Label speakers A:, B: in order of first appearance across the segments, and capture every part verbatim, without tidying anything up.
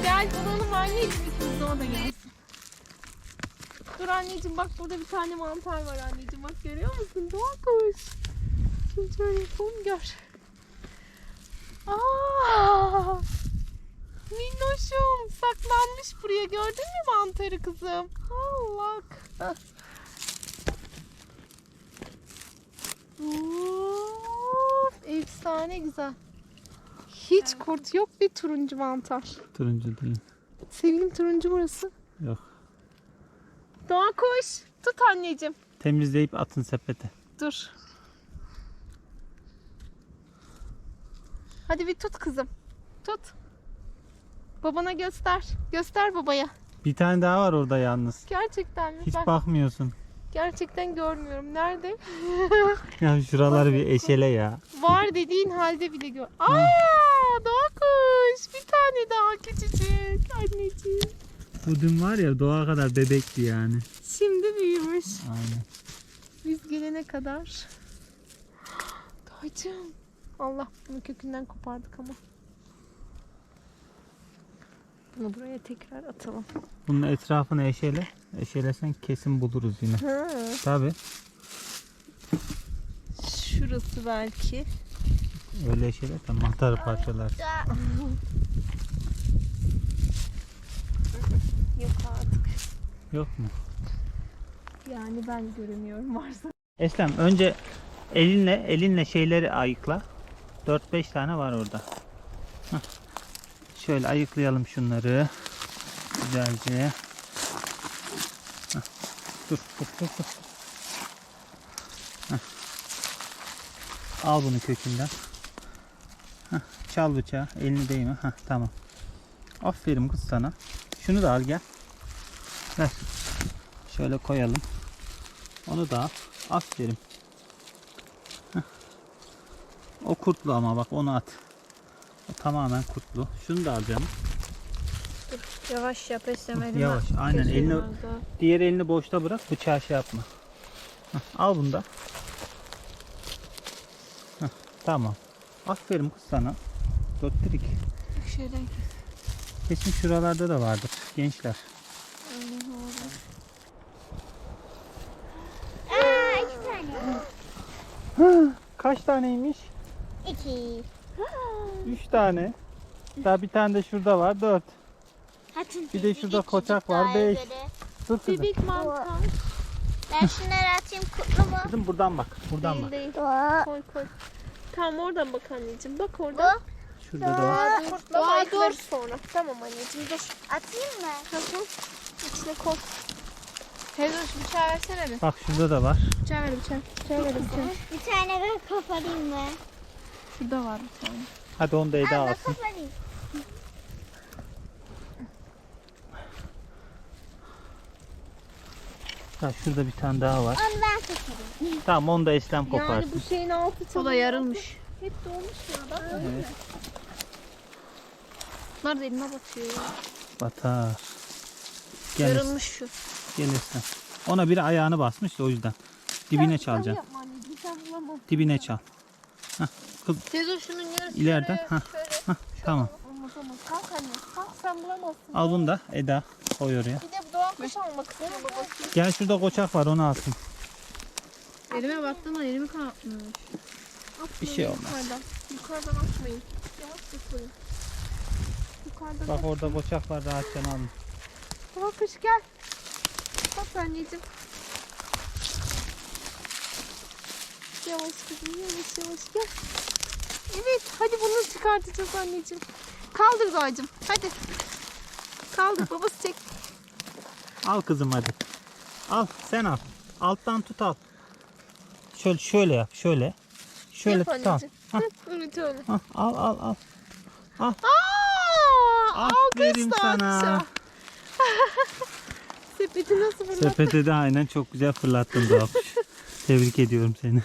A: Gel bulalım anneciğim, ikimiz de o da gelsin. Dur anneciğim, bak burada bir tane mantar var anneciğim, bak görüyor musun? Doğa kuş. Şimdi şöyle yapalım, gör. Aa, minnoşum saklanmış buraya, gördün mü mantarı kızım? Allah. Of, efsane güzel. Hiç kurt yok, bir turuncu mantar.
B: Turuncu değil.
A: Sevgilim, turuncu burası.
B: Yok.
A: Doğa kuş. Tut anneciğim.
B: Temizleyip atın sepete.
A: Dur. Hadi bir tut kızım. Tut. Babana göster. Göster babaya.
B: Bir tane daha var orada yalnız.
A: Gerçekten mi?
B: Hiç
A: Ben
B: bakmıyorsun.
A: gerçekten görmüyorum. Nerede?
B: Ya şuraları bir eşele ya.
A: Var dediğin halde bile gör. Aa, doğa kuş. Bir tane daha küçücük. Anneciğim.
B: Bu dün var ya doğa kadar bebekti yani.
A: Şimdi büyümüş.
B: Aynen.
A: Biz gelene kadar. Doğacığım. Allah, bunu kökünden kopardık ama. Bunu buraya tekrar atalım.
B: Bunun etrafını eşele. Eşelesen kesin buluruz yine.
A: Ha.
B: Tabi.
A: Şurası belki.
B: Öyle eşele de mantarı parçalar.
A: Yok artık.
B: Yok mu?
A: Yani ben göremiyorum, varsa.
B: Eslem önce elinle elinle şeyleri ayıkla. dört beş tane var orada. Hah. Şöyle ayıklayalım şunları. Güzelce. Hah. Dur dur dur dur. Hah. Al bunu kökünden. Hah. Çal bıçağı. Elini değme. Hah, tamam. Aferin kız sana. Şunu da al gel. Ver. Şöyle koyalım. Onu da al. Aferin. Heh. O kurtlu ama bak onu at. O tamamen kurtlu. Şunu da al canım.
A: Dur, yavaş yap, esnemedim.
B: Yavaş. Aynen elini, diğer elini boşta bırak. Bıçağı şey yapma. Heh. Al bunu da. Heh. Tamam. Aferin kız sana. Dörttür iki.
A: Şöyle.
B: Kesin şuralarda da vardır gençler.
C: Aa, iki tane.
B: Kaç taneymiş?
C: İki.
B: Üç tane. Daha bir tane de şurada var. Dört.
C: Hatun
B: Bir de şurada koçak var. Beş. Dur kızım.
A: Bebek mantar.
C: Ben şunları atayım, kutlu mu?
B: Kızım buradan bak. Buradan
A: Değil
B: bak.
A: değil.
C: Doğa.
A: Koy koy. Tamam, oradan bak anneciğim. Bak oradan.
B: Şurada da var.
A: Dur,
C: kurtlu
A: Doğa
C: var,
A: dur
C: dur.
A: sonra. Tamam anneciğim, dur.
C: Atayım mı?
A: Tamam. İçine koy. Teyze şu bıçağı versene bir.
B: Bak şurada da var.
A: Bıçağı ver, bıçağı. Bıçağı ver, bıçağı.
C: Bir tane ben koparayım mı?
A: Şurada var bir tane.
B: Hadi onu da Eda
C: Anne
B: alsın.
C: koparayım.
B: Ha, şurada bir tane daha var.
C: Onu ben koparayım.
B: Tamam onu da Eslem
A: Yani
B: koparsın.
A: bu şeyin altı
D: O da yarılmış.
A: Hep dolmuş ya. Bak.
B: Evet.
D: Bunlar da elime batıyor ya.
B: Batar. Gel,
D: Yarılmış şu.
B: gel Eslem. Ona biri ayağını basmış da o yüzden. Dibine çalacaksın.
A: Yapma anneciğim, sen bulamam.
B: Dibine çal. Hah, kız
D: Teyze şunun yarısı
B: ileriden.
D: şöyle,
B: Hah,
D: şöyle.
B: hah, tamam.
A: Olmaz olmaz. Kalk anne. Kalk, sen bulamazsın.
B: Al bunu da Eda koy oraya.
A: Bir de bu Doğan kuş almak istiyor babası.
B: Gel şurada koçak var onu alsın.
D: Elime baktığımda elimi kanatmış.
B: Bir şey olmaz.
A: Yukarıdan. Yukarıdan atmayın. Yavaş tutmayın. Yukarıdan.
B: Bak orada koçak var rahatça alın.
A: Doğan kuş gel. Bak anneciğim. Yavaş kızım, yavaş yavaş gel. Evet, hadi bunu çıkartacağız anneciğim. Kaldır Doğacığım, hadi. Kaldır, babası çek.
B: Al kızım hadi. Al sen al. Alttan tut al. Şöyle şöyle yap şöyle. Şöyle
A: Yap
B: tut al.
A: anneciğim.
B: Hah,
A: Hı, evet öyle.
B: hah, al al al. Al.
A: Aa,
B: Aferin
A: alkış
B: sana.
A: Doğacığım. Sepeti nasıl fırlattın?
B: Sepete de aynen çok güzel fırlattın Doğuş. Tebrik ediyorum seni.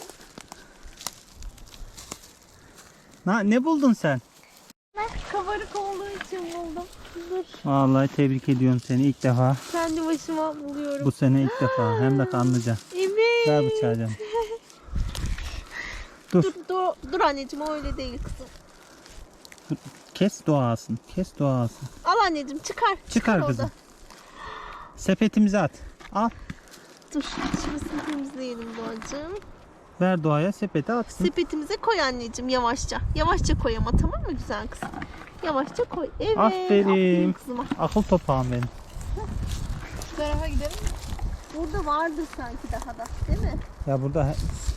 B: Na, ne buldun sen?
A: Kabarık olduğu için buldum. Dur,
B: Vallahi tebrik ediyorum seni ilk defa.
A: kendi başıma buluyorum.
B: Bu sene ilk defa. Hem de kanlıca.
A: Evet.
B: Ver bıçağı canım. Dur.
A: Dur, dur, dur anneciğim, o öyle değil kızım.
B: Kes doğasın. Kes doğasın.
A: Al anneciğim çıkar.
B: Çıkar
A: orada.
B: kızım. Sepetimize at. Al.
A: Dur şurasını temizleyelim Doğacığım.
B: Ver doğaya sepete atsın.
A: Sepetimize koy anneciğim yavaşça. Yavaşça koy ama tamam mı güzel kız? Yavaşça koy. Evet.
B: Aferin.
A: kızıma.
B: Akıl topağım benim.
D: Şu tarafa gidelim mi?
A: Burada vardı sanki daha da değil mi?
B: Ya burada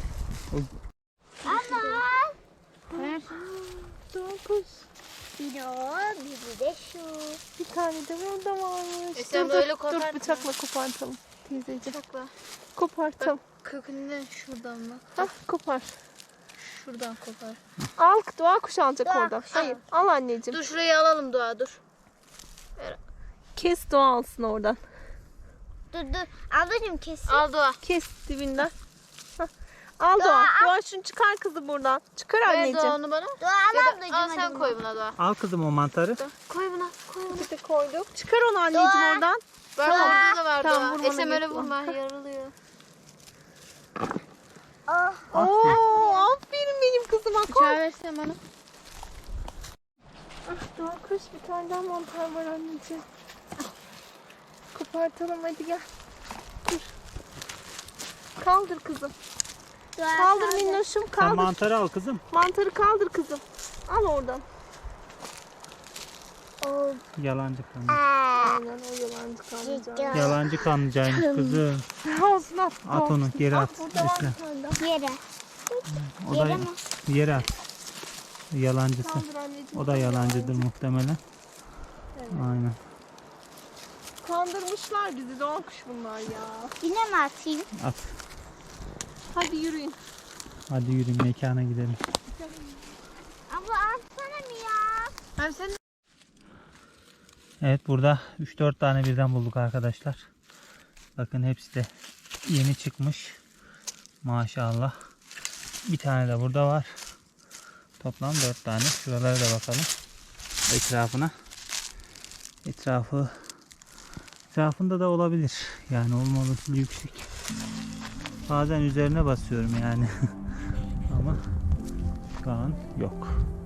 C: Ama
D: Ver.
A: Dokuz.
C: biri o, biri de şu.
A: Bir tane de burada varmış.
D: E sen
A: dur,
D: böyle
A: dur,
D: kopartma.
A: dur bıçakla kopartalım. Teyzeciğim.
D: Bak bak.
A: Kopartalım.
D: Kökünden şuradan mı?
A: Hah kopar.
D: Şuradan kopar.
A: Al doğa kuş alacak
C: Doğa
A: oradan.
C: kuş
A: Hayır al anneciğim.
D: Dur şurayı alalım Doğa dur.
A: Kes doğa alsın oradan.
C: Dur dur. Ablacığım kesin.
D: Al Doğa.
A: Kes dibinden. Hah. Al doğa.
C: Doğa,
A: Doğa şunu çıkar kızı buradan. Çıkar
D: Ver
A: anneciğim.
D: Doğa onu bana.
C: Doğa
D: Ya
C: al
D: da-
C: ablacığım.
D: al
C: hadi
D: sen
C: bunu.
D: koy buna Doğa.
B: al kızım o mantarı.
D: Koy buna. Koy buna.
A: Bir de koyduk. Çıkar onu anneciğim
C: Doğa.
A: oradan.
D: Bak
A: Tamam.
D: orada da var
A: Tamam,
D: Doğa.
A: vurmana
D: Esem öyle
A: gerek yok.
D: vurma yarılıyor.
C: Oh.
A: Oo, aferin benim kızıma. Koy.
D: Bıçağı versen bana.
A: Ah, doğa kuş bir tane daha mantar var anneciğim. Kopartalım hadi gel. Dur. Kaldır kızım.
C: Doğa
A: Kaldır
C: kaldır.
A: minnoşum
B: Sen
A: kaldır.
B: mantarı al kızım.
A: Mantarı kaldır kızım. Al oradan.
C: Oh.
B: Yalancı kanlı.
C: Aa.
A: Aynen o yalancı kalmayacak.
C: Ciddi.
B: Yalancı kanlıcaymış kızım.
A: Olsun at.
B: At onu geri at.
A: Burada var
B: Esra.
A: bir tane daha.
C: Yere.
B: O da
C: Yere mi?
B: yere at. Yalancısı.
A: Kaldır anneciğim.
B: O da yalancıdır muhtemelen.
A: Evet.
B: Aynen.
A: Kandırmışlar bizi doğa kuş bunlar ya.
C: Yine mi atayım?
B: At.
A: Hadi yürüyün.
B: Hadi yürüyün mekana gidelim.
C: Abla atsana mı ya?
D: Hem sen
B: Evet burada üç dört tane birden bulduk arkadaşlar. Bakın hepsi de yeni çıkmış. Maşallah. Bir tane de burada var. Toplam dört tane. Şuralara da bakalım. Etrafına. Etrafı etrafında da olabilir. Yani olma olasılığı yüksek. Bazen üzerine basıyorum yani. Ama şu an yok.